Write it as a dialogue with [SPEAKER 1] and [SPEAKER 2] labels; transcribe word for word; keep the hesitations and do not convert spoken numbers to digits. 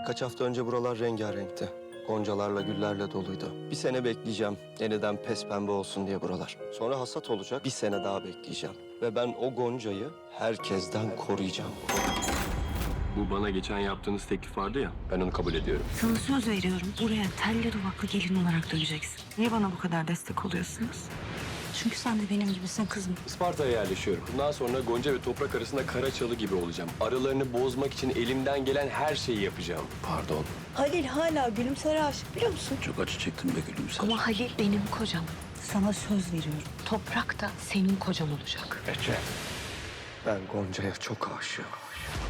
[SPEAKER 1] Birkaç hafta önce buralar rengarenkti. Goncalarla, güllerle doluydu. Bir sene bekleyeceğim. Yeniden pes pembe olsun diye buralar. Sonra hasat olacak. Bir sene daha bekleyeceğim. Ve ben o goncayı herkesten koruyacağım.
[SPEAKER 2] Bu bana geçen yaptığınız teklif vardı ya, ben onu kabul ediyorum.
[SPEAKER 3] Sana söz veriyorum. Buraya telli duvaklı gelin olarak döneceksin. Niye bana bu kadar destek oluyorsunuz? Çünkü sen de benim gibisin kızım.
[SPEAKER 2] Isparta'ya yerleşiyorum. Bundan sonra Gonca ve Toprak arasında kara çalı gibi olacağım. Aralarını bozmak için elimden gelen her şeyi yapacağım.
[SPEAKER 4] Pardon.
[SPEAKER 5] Halil hala Gülümser'e aşık biliyor musun?
[SPEAKER 4] Çok acı çektim be Gülümser.
[SPEAKER 3] Ama Halil benim kocam. Sana söz veriyorum. Toprak da senin kocan olacak.
[SPEAKER 4] Ece.
[SPEAKER 1] Ben Gonca'ya çok aşığım.